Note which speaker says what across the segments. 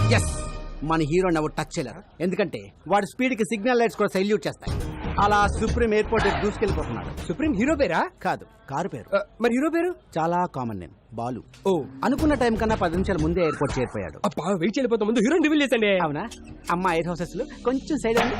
Speaker 1: Yes, మన హీరోని ఎవరు టచ్ చేయలేరు. ఎందుకంటే వాడి స్పీడ్ కి సిగ్నల్ లైట్స్ కూడా సైల్యూట్ చేస్తాయి. అలా సుప్రీం ఎయిర్పోర్ట్ దూసుకెళ్లిపోతున్నాడు.
Speaker 2: సుప్రీం హీరో పేరా?
Speaker 1: కాదు, కారు పేరు.
Speaker 2: మరి హీరో పేరు?
Speaker 1: చాలా కామన్ నేమ్, బాలు.
Speaker 2: ఓ,
Speaker 1: అనుకున్న టైం కన్నా 10 నిమిషాల ముందే ఎయిర్పోర్ట్ చేరిపోయాడు.
Speaker 2: అబ్బా వెయిట్ చేయలేకపోతా, ముందు హీరోని రివీల్ చేసండి.
Speaker 1: అవునా? అమ్మా 8 హౌసెస్ లో కొంచెం సైడ్ అండి.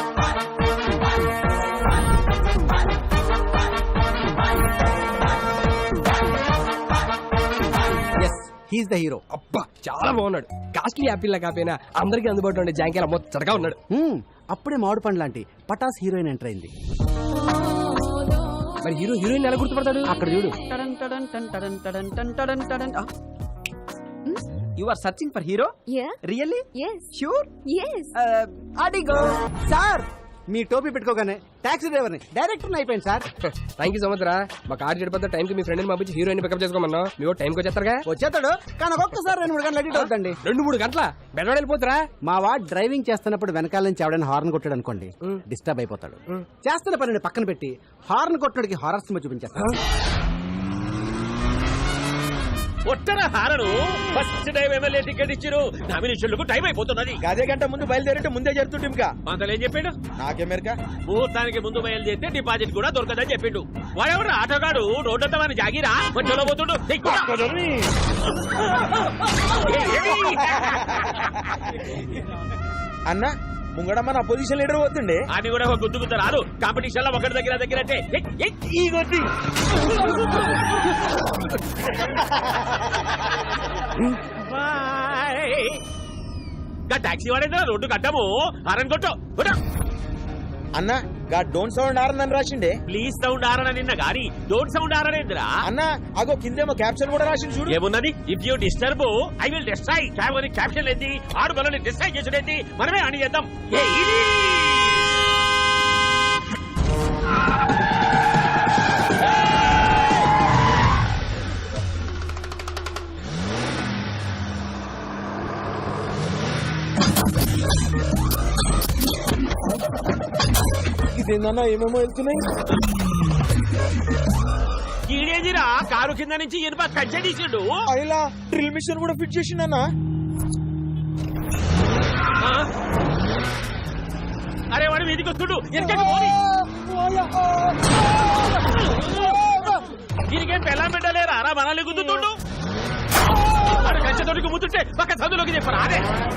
Speaker 1: Yes, he's the hero.
Speaker 2: అబ్బా చాలా బాగున్నాడు. కాస్ట్లీ యాపిల్ లా కాపోయినా అందరికి అందుబాటులో ఉండే జాంకేలా మొత్తగా ఉన్నాడు.
Speaker 1: అప్పుడే మామిడి పండు లాంటి పటాస్ హీరోయిన్ ఎంటర్ అయింది.
Speaker 2: మరి హీరో హీరోయిన్ ఎలా గుర్తుపడతాడు?
Speaker 1: అక్కడ చూడు.
Speaker 3: You are searching for hero?
Speaker 4: Yeah.
Speaker 3: Really?
Speaker 4: Yes.
Speaker 3: Sure?
Speaker 4: Yes.
Speaker 3: Adigo.
Speaker 1: Sir, మీ టోపీ పెట్టుకోగానే టాక్సీ డ్రైవర్ని డైరెక్టర్ అయిపోయింది sir.
Speaker 2: Thank you so much రా. మా కార్ చెడిపోతే టైం కి మీ ఫ్రెండ్ పంపించి హీరోయిన్ పికప్ చేసుకోమన్నా. మీరు టైంకి వచ్చేస్తారుగా?
Speaker 1: వచ్చేస్తాడు, కానీ ఒక్కొక్కసారి 2-3 గంటలు అడిట్ అవుతండి.
Speaker 2: 2-3 గంటల బెడవాడు వెళ్ళిపోతురా.
Speaker 1: మా వాడు డ్రైవింగ్ చేస్తున్నప్పుడు వెనకాల నుంచి ఎవడైనా హార్న్ కొట్టాడు అనుకోండి, డిస్టర్బ్ అయిపోతాడు. చేస్తున్న పనిని పక్కన పెట్టి హార్న్ కొట్టడానికి హారర్ సినిమా చూపించేస్తాడు.
Speaker 5: ఒట్టర horn first time MLA ticket ఇచ్చిరు. నామినేషన్లకు టైం అయిపోతున్నది.
Speaker 3: అదే గంట ముందు బయలుదేరంటే ముందే జరుగుతుంది. ఇంకా
Speaker 5: మంతలు ఏం చెప్పాడు?
Speaker 3: నాకెమెరికా
Speaker 5: ముహూర్తానికి ముందు బయలుదేరితే డిపాజిట్ కూడా దొరకదని చెప్పిండు. వాడెవడు ఆటోగాడు రోడ్డంతా మన జాగిరా మధ్యలో పోతుండు.
Speaker 3: అన్న ముంగడ మన అపోజిషన్ లీడర్ పోతుండే.
Speaker 5: అని కూడా ఒక గుద్దుకుంటా రాదు. కాంపిటీషన్ లో ఒకటి దగ్గర అంటే ఈ కొద్ది టాక్సీ వాడేదా రోడ్డు కట్టము హారన్ కొట్టు.
Speaker 3: అన్న గా డోంట్ సౌండ్ ఆరని రాసిండే.
Speaker 5: ప్లీజ్ సౌండ్ ఆరన నిన్న గాని డోంట్ సౌండ్ ఆరనేంద్రా.
Speaker 3: అన్న అగో కిందేమో క్యాప్షన్ కూడా రాసింది చూడు.
Speaker 5: ఏమున్నది? If you disturb I will destroy. Caption ఏంది? ఆడు బలని డిస్ట్రాయ్ చేసుడేంది? మనమే అని చేద్దాం.
Speaker 3: ఇదేందన్నా ఏమేమో వెళ్తున్నాయి.
Speaker 5: ఈడేదిరా కారు కింద నుంచి ఇనుప కచ్చడీసిండు.
Speaker 3: అయిలా డ్రిల్ మిషన్ కూడా ఫిట్ చేసిండన్నా.
Speaker 5: అరే వాడు మీదికి వస్తుడు. దీనికేం పెళ్ళం పెట్టలేరా రా మనల్ని గుద్దుతుండు. వాడు కంచెతోటికి ముద్దుంటే పక్క చదువులోకి చెప్పరా. అదే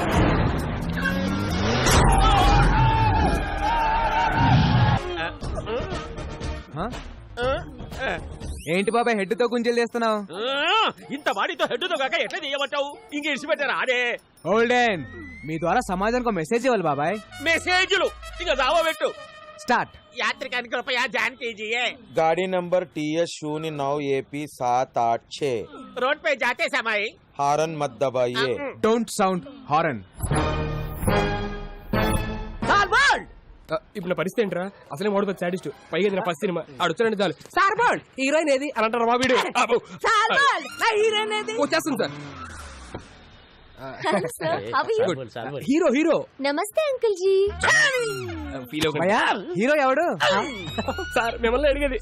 Speaker 2: ఏంటి బాబాయ్ హెడ్ తో గుంజలు చేస్తున్నావు?
Speaker 5: ఇంత వాడితో హెడ్తో కాక ఎట్లా చేయమంటావు? ఇంక ఇడిచిపెట్టారా? అదే
Speaker 2: ఓల్డెన్ మీ ద్వారా సమాజానికి మెసేజ్ ఇవ్వాలి బాబాయ్.
Speaker 5: మెసేజ్లు ఇంకా దావా పెట్టు.
Speaker 2: స్టార్ట్.
Speaker 5: యాత్రికానికి రూపాయ జాన్ कीजिए.
Speaker 3: गाड़ी नंबर TS09 AP 786.
Speaker 5: रोड पे जाते समय
Speaker 3: हारन मत दबाइए.
Speaker 2: Don't sound horn. ఇప్పుడు నా పరిస్థితి ఏంట్రా? అసలే మోడల్ సాడిస్ట్, పైగా ఇది నా ఫస్ట్ సినిమా. ఆడొచ్చారంటే చాలు సార్ బాల్ హీరోయిన్ ఏది అని అంటారు మా వీడియో. వచ్చేస్తుంది సార్. Hero hero.
Speaker 4: నమస్తే అంకుల్ జీ.
Speaker 2: హీరో ఎవడు సార్? మిమ్మల్ని అడిగేది.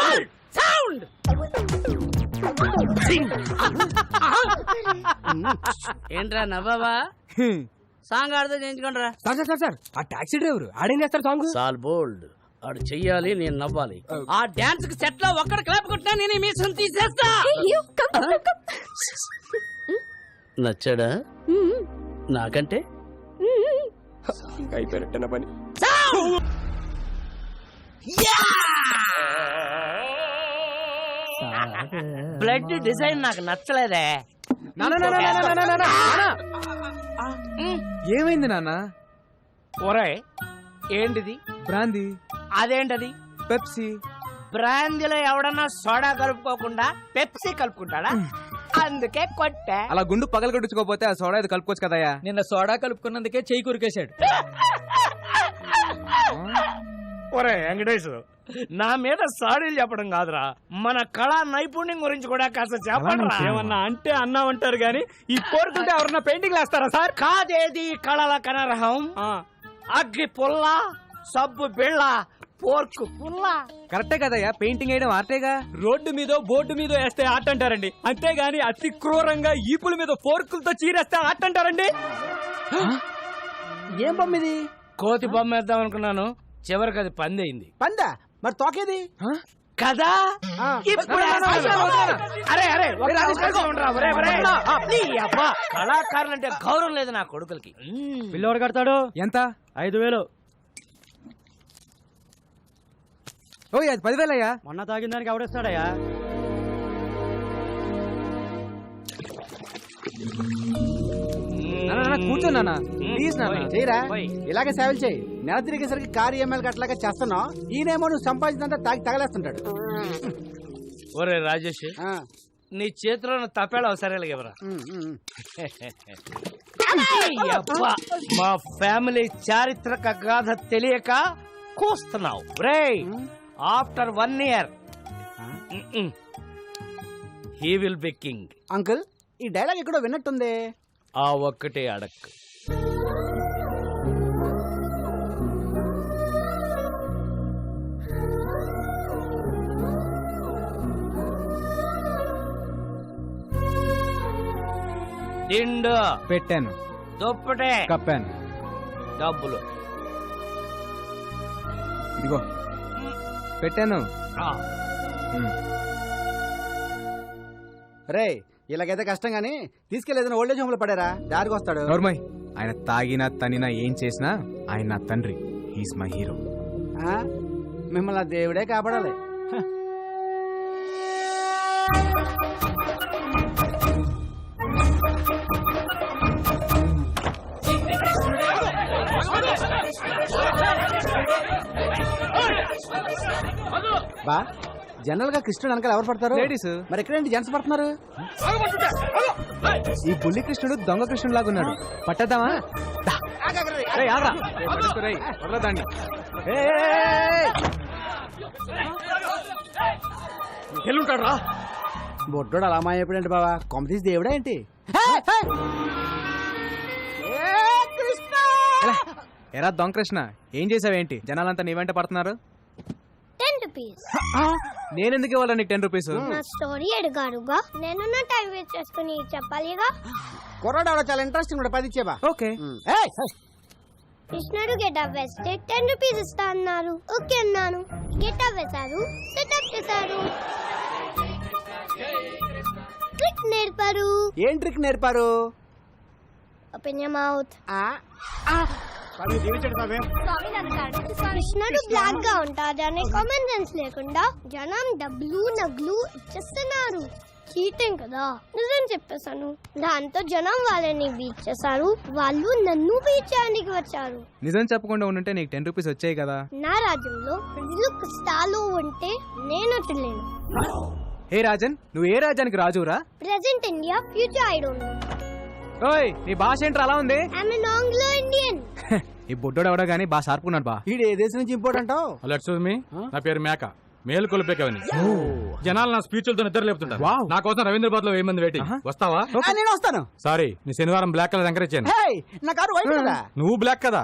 Speaker 6: ఏంట్రా నవ్వావా? సాంగ్ ఆడితే చేయించుకోండిరా.
Speaker 2: సార్ సార్ సార్ ఆ టాక్సీ డ్రైవర్ ఆడేం చేస్తారు సాంగ్?
Speaker 6: సాల్ బోల్డ్ ఆడు చెయ్యాలి, నేను నవ్వాలి. ఆ డాన్స్ కి సెట్ లో ఒక్కడ క్లాప్ కొట్టినా నేను మీసం తీసేస్తా. నచ్చాడా? నాకంటే
Speaker 2: అయిపోయినట్టు పని.
Speaker 6: బ్లడ్ డిజైన్ నాకు నచ్చలేదే.
Speaker 2: ఏమైంది నాన్న?
Speaker 6: ఒరే ఏంటిది?
Speaker 2: బ్రాందీ.
Speaker 6: అదేంటది?
Speaker 2: పెప్సీ.
Speaker 6: బ్రాందీలో ఎవడన్నా సోడా కలుపుకోకుండా పెప్సీ కలుపుకుంటాడా? అందుకే కొట్టా.
Speaker 2: అలా గుండు పగల కొట్టించుకోపోతే ఆ సోడా ఇది కలుపుకోవచ్చు కదయ్యా.
Speaker 6: నిన్న సోడా కలుపుకున్నందుకే చెయ్యి కురికేశాడు. ఒరే వెంకటేష్, నా మీద సాడీలు చెప్పడం కాదురా, మన కళా నైపుణ్యం గురించి కూడా కాస్త చెప్పండి.
Speaker 2: ఏమన్నా అంటే అన్నామంటారు గాని ఈ కోరుకుంటే ఎవరన్నా పెయింటింగ్ వేస్తారా సార్?
Speaker 6: కాదేది కళల కనరహం. అగ్గి పుల్ల, సబ్బు బిళ్ళ, పోర్క్ పుల్ల.
Speaker 4: కరెక్టే కదయ్యా, పెయింటింగ్ వేయడం ఆర్టేగా.
Speaker 2: రోడ్డు మీద బోర్డు మీద వేస్తే ఆట అంటారండి, అంతేగాని అతి క్రూరంగా ఈపుల మీద ఫోర్కులతో చీరేస్తే ఆట అంటారండి.
Speaker 1: ఏం బొమ్మ ఇది?
Speaker 6: కోతి బొమ్మ వేద్దాం అనుకున్నాను, చివరికి అది పంది అయింది.
Speaker 1: పందా? మరి తోకేది?
Speaker 6: కదా ఇప్పుడు అరే అరే ఒక నిమిషం ఉండరా, ఒరే, ఒరే. నీ అబ్బా, కళాకారులంటే గౌరవం లేదు నా కొడుకులకి.
Speaker 4: పిల్లోడు కడతాడు ఎంత? 5,000. ఓయ్ అది 10,000 అయ్యా. మొన్న తాగిన దానికి ఎవడేస్తాడయ్యా? కూర్చో నాన్న, ప్లీజ్ నాన్న.
Speaker 1: చేయరా, ఇలాగే సేవలు చేయి. నెల తిరిగేసరికి కారు ఈఎంఐలు అట్లాగా చేస్తున్నావు. ఈయనేమో నువ్వు సంపాదించినంత తాగి తగలేస్తుంటాడు.
Speaker 6: ఒరే రాజేష్,
Speaker 1: ఆ,
Speaker 6: నీ చేతిలో తప్పేళ సరేలా ఎవరా? అబ్బా, మా ఫ్యామిలీ చారిత్రక గాథ తెలియక కూస్తున్నావు రే. After 1 year he will be king.
Speaker 1: Uncle ఈ డైలాగ్ ఎక్కడో విన్నట్టుంది.
Speaker 6: ఆ ఒక్కటే అడక్. దిండు
Speaker 4: పెట్టాను,
Speaker 6: దుప్పటే
Speaker 4: కప్పాను.
Speaker 6: డబ్బులు
Speaker 4: ఇదిగో పెట్టాను.
Speaker 6: ఆ,
Speaker 1: రే ఇలాగైతే కష్టం గానీ తీసుకెళ్లేదని ఓల్డేజ్ హోమ్ లో పడారా, దారికి వస్తాడు.
Speaker 4: నోర్మయ్, ఆయన తాగినా తనినా ఏం చేసినా ఆయన నా తండ్రి. He's my hero.
Speaker 1: ఆ, మిమ్మల్ని ఆ దేవుడే కాపాడాలి. హ. బా జనరల్ గా కృష్ణుడు వెనకాల ఎవరు పడతారు?
Speaker 4: లేడీస్.
Speaker 1: మరి ఎక్కడేంటి జెంట్స్ పడుతున్నారు?
Speaker 4: ఈ బుల్లి కృష్ణుడు దొంగ కృష్ణుడు లాగా ఉన్నాడు. పట్టద్దామా?
Speaker 2: ఎల్లుంటాడు రా.
Speaker 1: బొడ్డోడు అలా మాయపడండి బావా, కొమ్మ తీసి దేవుడా ఏంటి?
Speaker 4: ఎరా దొంగ కృష్ణ, ఏం చేసావేంటి? జనాలంతా నీ వెంట పడుతున్నారు.
Speaker 7: 10 rupees.
Speaker 4: నేనెందుకు ఇవ్వాలి నీకు 10 రూపీస్?
Speaker 7: నా స్టోరీ అడిగారుగా, నేను నా టైం వేస్ట్ చేసుకుని చెప్పాలిగా.
Speaker 1: కుర్రాడు ఆవిడ చాలా ఇంట్రెస్టింగ్ కూడా 10 ఇచ్చేవా?
Speaker 4: ఓకే.
Speaker 7: కృష్ణుడు గెటప్ వేస్తే 10 రూపీస్ ఇస్తా అన్నారు. ఓకే అన్నాను. గెటప్ వేశారు, సెటప్ చేశారు, ట్రిక్ నేర్పారు.
Speaker 1: ఏం ట్రిక్ నేర్పారు?
Speaker 7: Open your mouth. కృష్ణుడు బ్లాక్ గా ఉంటాడు అనే కామన్ సెన్స్ లేకుండా జనం డబ్బులు నగ్లు ఇచ్చేస్తున్నారు. చీటింగ్ కదా, నిజం చెప్పేశాను. దాంతో జనం వాళ్ళని బీట్ చేశారు, వాళ్ళు నన్ను బీట్ చేయడానికి వచ్చారు.
Speaker 4: నిజం చెప్పకుండా ఉండుంటే నీకు 10 రూపీస్ వచ్చాయి కదా.
Speaker 7: నా రాజ్యంలో ప్రజలు కష్టాలు ఉంటే నేను వచ్చలేను.
Speaker 4: హే రాజన్, నువ్వు ఏ రాజ్యానికి రాజురా?
Speaker 7: Present India, future I don't know.
Speaker 4: ఓయ్ నీ భాష ఏంట్రా అలా ఉంది?
Speaker 7: I'm an Anglo Indian.
Speaker 4: ఈ బుడ్డోడు ఎవడో గానీ బాగా షార్పున్నాడు బా.
Speaker 1: ఈడు ఏ దేశం నుంచి ఇంపోర్ట్ అంటావు?
Speaker 5: హలో ఎక్స్క్యూజ్ మీ, నా పేరు మేక. మేలు కొలిపేకవని జనాలు నా స్పీచ్లతో నిద్ర లేపుతుంటారు.
Speaker 4: వావ్.
Speaker 5: నా కోసం రవీంద్రబాద్ లో 1000 మంది వెయిటింగ్. వస్తావా?
Speaker 1: నేను వస్తాను.
Speaker 5: సారీ, నీ శనివారం బ్లాక్ కలర్ ఎంకరేజ్ చేయను.
Speaker 1: హే, నా కారు వైట్ కదా.
Speaker 5: నువ్వు బ్లాక్ కదా.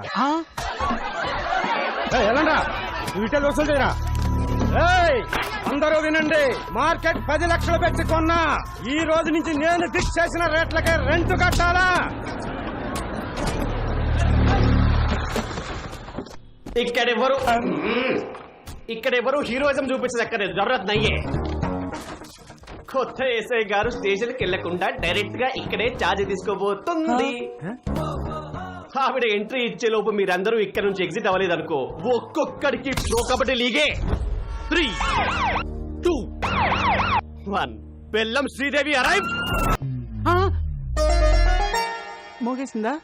Speaker 3: ఎలాండా వీటిలో వసూలు చేయరా? అందరూ వినండి, మార్కెట్ 10 లక్షలు పెట్టి కొన్నా. ఈ రోజు నుంచి నేను ఫిక్స్ చేసిన రేట్లకే రెంట్ కట్టాలా?
Speaker 8: ఇక్కడెవరు హీరోయిజం చూపించదు, ఎక్కడ జరూరత్ నయ్యే. కొత్త ఎస్ఐ గారు స్టేషన్ కి వెళ్లకుండా డైరెక్ట్ గా ఇక్కడే ఛార్జ్ తీసుకోబోతుంది. ఆవిడ ఎంట్రీ ఇచ్చే లోపు మీరందరూ ఇక్కడ నుంచి ఎగ్జిట్ అవ్వలేదు అనుకో, ఒక్కొక్కడికి ప్రో కబడ్డీ లీగే. 3, 2, 1. బెల్లం శ్రీదేవి అరైవ్.
Speaker 1: మోగేసిందా?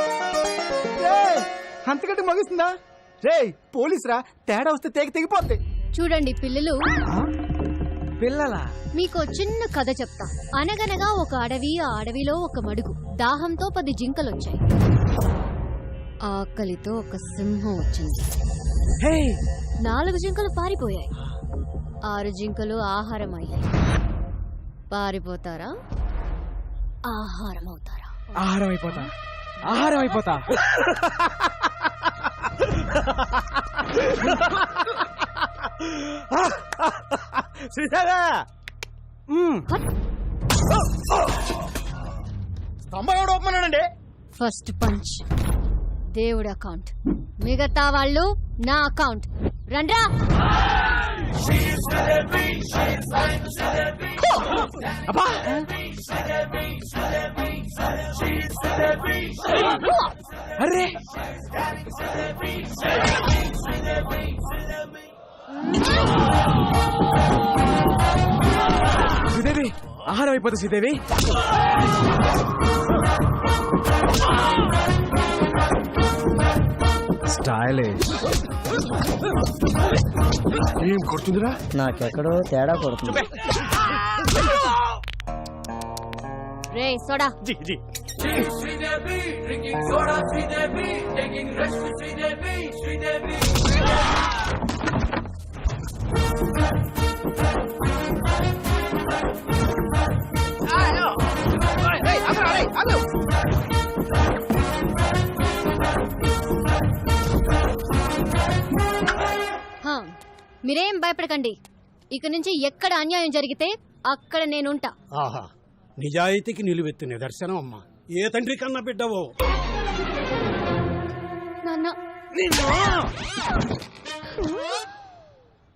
Speaker 1: అంతకంటే మోగేసిందా? రే పోలీస్ రా, తేడా వస్తే తెగిపోద్ది.
Speaker 9: చూడండి పిల్లలు,
Speaker 4: పిల్లలా?
Speaker 9: మీకు చిన్న కథ చెప్తా. అనగనగా ఒక అడవి, ఆ అడవిలో ఒక మడుగు. దాహంతో 10 జింకలొచ్చాయి. ఆకలితో ఒక సింహం వచ్చింది. 4 జింకలు పారిపోయాయి. 6 జింకలు ఆహారం అయ్యాయి. పారిపోతారా, ఆహారం అవుతారా?
Speaker 4: ఆహారం అయిపోతా, ఆహారం అయిపోతా.
Speaker 3: శ్రీదేవా స్తంభం ఎవడు ఒప్పమన్నాడండి?
Speaker 9: ఫస్ట్ పంచ్ దేవుడి అకౌంట్, మిగతా వాళ్ళు నా అకౌంట్. రండ్రా.
Speaker 2: అరే శ్రీదేవి, ఆహారం అయిపోతుంది శ్రీదేవి.
Speaker 4: స్టైలిష్.
Speaker 3: ఏం కొడుతుందిరా?
Speaker 6: నాకెక్కడో తేడా కొడుతుంది.
Speaker 9: రే సోడా.
Speaker 3: జీ జీ
Speaker 9: హా, మీరేం భయపడకండి. ఇక నుంచి ఎక్కడ అన్యాయం జరిగితే అక్కడ నేనుంటా.
Speaker 3: ఆహా, నిజాయితీకి నిలువెత్తు నిదర్శనం అమ్మా. ఏ తండ్రి కన్నా బిడ్డవో.
Speaker 9: నాన్న.
Speaker 3: నిన్ను